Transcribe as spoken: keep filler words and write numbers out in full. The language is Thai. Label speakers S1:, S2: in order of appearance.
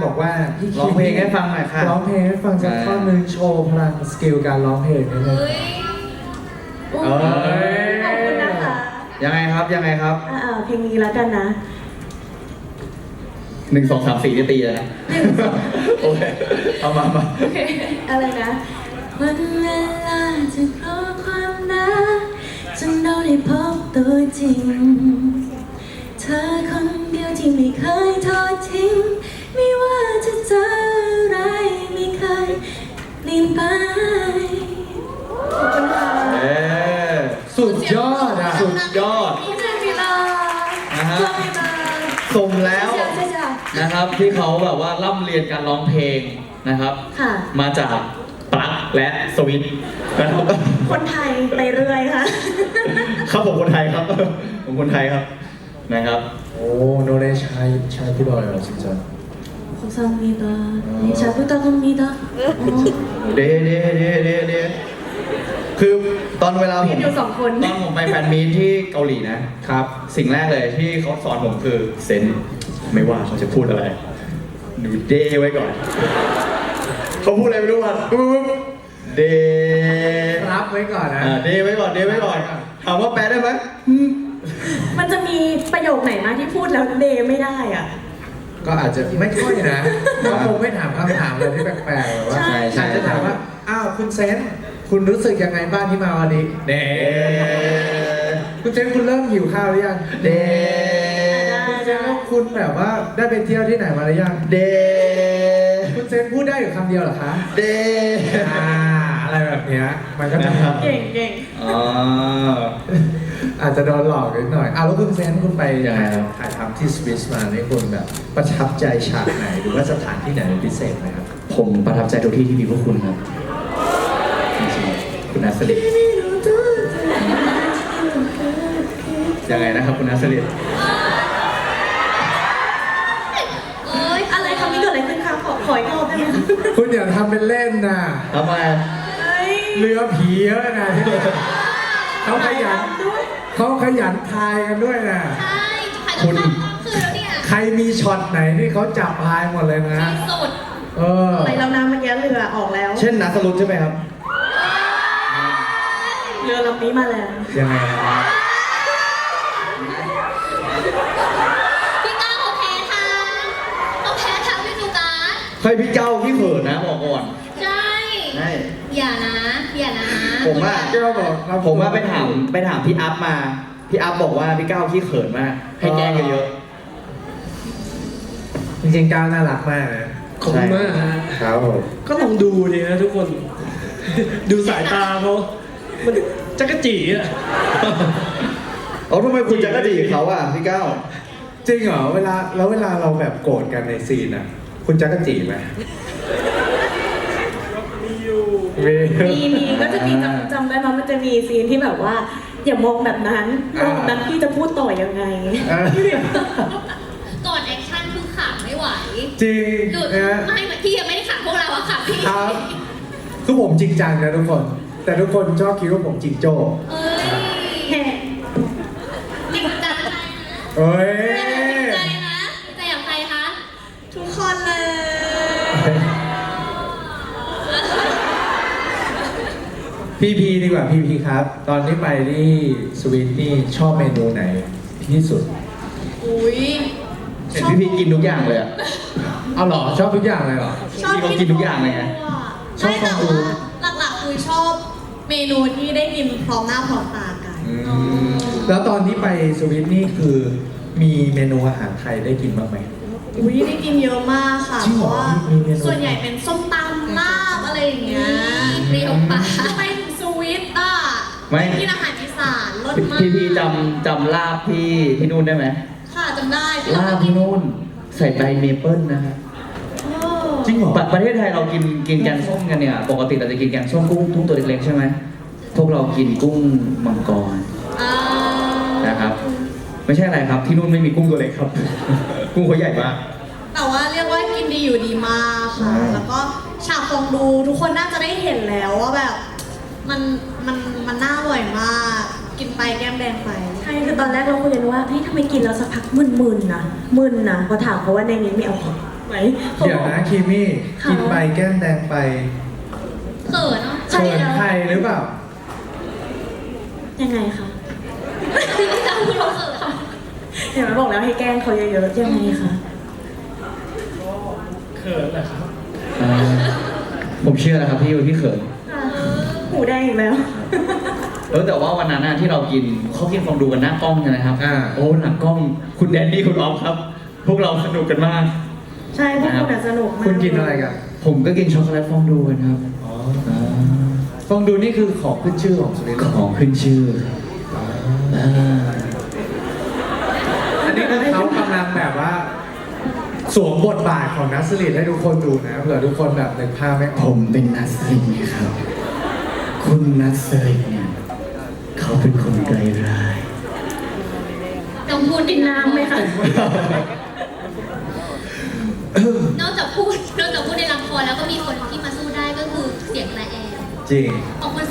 S1: บอกว่าพี่
S2: ร้องเพลงให้ฟังหน่อยค่ะ
S1: ร้องเพลงให้ฟังสักท่อนหนึ่งโชว์พลังสกิลการร้องเพลงนิดนึง
S3: เฮ้ย
S2: เอ้ย
S4: ขอบคุณนะคะ
S2: ยังไงครับยังไงครับ
S4: อ่าๆเพลงนี้แล้วกันนะ
S2: หนึ่งสองสามสี่นี่ตีเลยนะโอเคเอามามา
S4: อะไรนะวันเวลาจะเพราะความรักจนเราได้พบตัวจริง เธอคนเดียวที่ไม่เคยทอดทิ้งไม่ว่าจะเจออะไรไม่เคยเปลี่ยนไปขอบคุณค่ะ
S2: เอ๊ะ
S1: สุดยอดอ่ะ
S2: สุดยอด
S4: พี่เจมิลา
S2: นะฮะ
S4: เจมิลา
S2: สมแล้ว
S4: ใช่ใช่ใช่
S2: นะครับที่เขาแบบว่าร่ำเรียนการร้องเพลงนะครับ
S4: ค่ะ
S2: มาจากปลั๊กและสวิตช์นะครับ
S4: คนไทยไปเรื่อยค่ะ
S2: ครับผมคนไทยครับผมคนไทยครับนะครับ
S1: 오 노래 잘, 잘 불러요 진짜
S4: 감사합니다. 네, 잘 부탁합니다. 어.
S2: เดเดเดเดเดคือตอนเวลาผม
S4: มีอยู่สองคน
S2: ตอนผมไปแฟนมีตที่เกาหลีนะครับ สิ่งแรกเลยที่เขาสอนผมคือเซนไม่ว่าเขาจะพูดอะไรดูเดไว้ก่อนเขาพูดอะไรไม่รู้อ่ะเด
S1: รับไว้ก่อนนะ
S2: อ่าเดไว้ก่อนเดไว้ก่อนถามว่าแปลได้ไหม
S4: มันจะมีประโยคไหนมาที่พูดแล้วเดไม่ได้อ่ะ
S1: ก็อาจจะไม่ค่อยนะเขาคงไม่ถามคำถามอะไรที่แปลกๆแบบว่า
S4: ใช่
S1: อาจจะถามว่าอ้าวคุณเซนคุณรู้สึกยังไงบ้างที่มาวันนี้เน่คุณเซนคุณเริ่มหิวข้าวหรือยัง
S2: เด
S1: คุณเซนแล้วคุณแบบว่าได้ไปเที่ยวที่ไหนมาหรือยัง
S2: เด
S1: คุณเซนพูดได้อยู่คำเดียวเหรอคะ
S2: เด
S1: อ่าอะไรแบบเนี้ยมันก็จะ
S2: นะครับ
S4: เก่งเก่ง
S2: อ๋อ
S1: อาจจะโดนหลอกนิดหน่อยอ้าวแล้วคุณเซนคุณไป
S2: ยังไงครับ
S1: ถ่ายทำที่สวิสมาเนี่ยคุณแบบประทับใจฉากไหนหรือว่าสถานที่ไหนเป็นพิเศษไหมครับ
S2: ผมประทับใจทุกที่ที่มีพวกคุณครับจริงๆคุณนัสลิดยังไงนะครับคุณนัสลิด
S3: เอ้ย
S4: อะไรคำนี้เกิดอะไรขึ้นคะขอขออีกรอบได้ไหมคะ
S1: คุณอย่าทำเป็นเล่นนะ
S2: ทำไม
S4: เฮ้ย
S1: เรือผีเยอะนะที่เนี่ยเขาขยัน
S4: ด้วย
S1: เขาขยันทายกันด้วยนะ
S3: ใช่จะขายกันข้ามคืนแล้วเนี่ย
S1: ใครมีช็อตไหนที่เขาจับทายหมดเลยนะ
S3: ที่สุด
S1: เออ
S4: ไปแล้วนะเมื่อกี้เรือออกแล้ว
S2: เช่นนัสลุดใช่ไหมครับ
S4: เรือลำนี้มาแล้ว
S1: ยังไงนะครับ
S3: พี่ก้าวเขาแพ้ทางเขาแพ้ทางพี่สุการ
S2: เฮ้ยพี่เก้าพี่เขินนะบอกก่อน
S3: ใช่
S2: ใช่
S3: อย่านะ อย่านะ
S2: ผมว่า
S1: แก้วบอกครับ
S2: ผมว่าไปถามไปถามพี่อัพมา พี่อัพบอกว่าพี่เก้าขี้เขินมาก ให้แกล้งเยอะ
S1: จริงๆก้าวน่ารักมากนะ
S5: ขอบคุณมากฮะ
S1: ครับผม
S5: ก็ลองดูดีนะทุกคน ดูสายตาเขามันจักรจีอ่ะ
S2: ๆเอาทำไมคุณจะกระดีกับเขาอ่ะพี่เก้า
S1: จริงเหรอเวลาแล้วเวลาเราแบบโกรธกันในซีนอ่ะ คุณจักรจีไหม
S5: มีอยู่
S1: มี
S4: มีมีก็จะมีจำจำได้ไหมมันจะมีซีนที่แบบว่า อย่ามองแบบนั้นมองแบบนั้นพี่จะพูดต่อยังไง
S1: เออ
S3: ก่อนแอคชั่นคือขาไม่ไหว
S1: จริง
S3: หลุด
S1: นะ
S3: ไม่พี่ยังไม่ได้ขาพวกเราอะขาพี่
S1: ครับคือผมจริงจังนะทุกคน แต่ทุกคนชอบคิดว่าผมจริงโจ้
S3: เอ้ย
S4: แห่
S3: จริงจังใจนะ
S1: เอ้ย
S3: จริงใจนะใจอย่างใครคะ
S4: ทุกคนเลย
S1: พีพีดีกว่าพีพีครับ ตอนที่ไปที่สวีทนี่ชอบเมนูไหนที่สุด
S3: อุ้ย
S2: เห็นพี่พีกินทุกอย่างเลยอ่ะ
S1: เอาเหรอชอบทุกอย่างเลยเหรอ
S2: พี่เขากินทุกอย่างเลยไง
S1: ชอบ
S6: ไม่แต่
S1: ความรู้
S6: ว่าหลักๆคือชอบเมนูที่ได้กินพร้อมหน้าพร้อมตากัน
S1: แล้วตอนที่ไปสวีทนี่คือมีเมนูอาหารไทยได้กินบ้างไหม
S6: อุ้ยได้กินเยอะมากค่ะ
S1: จริง
S6: เพ
S1: เหรอ
S6: ราะว่า
S1: มีเมนู
S6: ส่วนใหญ่เป็นส้มตำลาบอะไรอย่างเงี้ย
S3: เปรี้ยวปาก
S6: ไปถึงสวิตอ่ะ
S2: ไม่
S6: กินอาหารอีสานรสมาก
S2: พี่พีจำจำลาบที่ที่นู่นได้ไหม
S6: ค่ะจำได้ที่
S2: ลา
S6: เรา
S2: บ
S6: ไปกิ
S2: ที่
S6: น
S2: นู่นใส่ใบเมเปิลนะครับ
S6: โอ้
S1: จริงเหรอ
S2: ปะประเทศไทยเรากินกินแกงส้มกันเนี่ย ปกติเราจะกินแกงส้มกุ้งกุ้งตัวเล็กๆใช่ไหมพวกเรากินกุ้งมังกร
S6: อ่า
S2: นะครับ ไม่ใช่อะไรครับที่นู่นไม่มีกุ้งตัวเล็กครับ กุ้งเขาใหญ่มาก
S6: แต่ว่าเรียกว่ากินดีอยู่ดีมากค่ะ
S2: ใช่
S6: แล้วก็ฉากฟองดูทุกคนน่าจะได้เห็นแล้วว่าแบบ มันมันมันน่าอร่อยมาก กินไปแก้มแดงไป
S4: ใช่คือตอนแรกเราคุยกันว่าเฮ้ยทำไมกินแล้วสักพักมึนๆนะมึนนะพอถามเขาว่าในนี้มีแอลกอฮอล์ไหม
S1: เดี๋ยวนะคีมี่กินไปแก้มแดงไป
S3: เขินเนาะ
S1: เขินใครหรือเปล่า
S4: ยังไงคะ
S3: พี่ก้าวพูดว่าเขินค่ะ
S4: เดี๋ยวบอกแล้วให้แกล้งเขาเยอะๆยังไงคะ
S5: เขินเหรอครับ
S2: อ่าผมเชื่อแล้วครับพี่ว่าพี่เขิน
S4: หูแดงอีกแล้ว
S2: เออแต่ว่าวันนั้นน่ะที่เรากินเขากินฟองดูกันหน้ากล้องใช่ไหมครับ
S1: อ่า
S2: โอ้หลังกล้องคุณแดนนี่คุณออฟครับ พวกเราสนุกกันมาก
S4: ใช่พวกคุณอะสนุกมาก
S1: คุณกินอะไรกัน
S2: ผมก็กินช็อกโกแลตฟองดูกันครับ
S1: อ๋อ
S2: อ่า
S1: ฟองดูนี่คือของขึ้นชื่อของสุรินทร์
S2: ของขึ้นชื่ออ่า
S1: อันนี้คือเขากำลังแบบว่า สวมบทบาทของนัสลิดให้ทุกคนดูนะเผื่อทุกคนแบบนึกภาพไม่อ
S2: ผ
S1: อก
S2: มเป็นนัสลินไงครับ คุณนัสลินเนี่ยเขาเป็นคนไร้ร้าย
S3: ต้องพูด
S4: กินน้ำไหมคะ
S3: นอกจากพูดนอกจากพูดในละครแล้วก็มีคนที่มาสู้ได้ก็คือเสียงแตรแอม
S1: จริง
S3: ของคุณ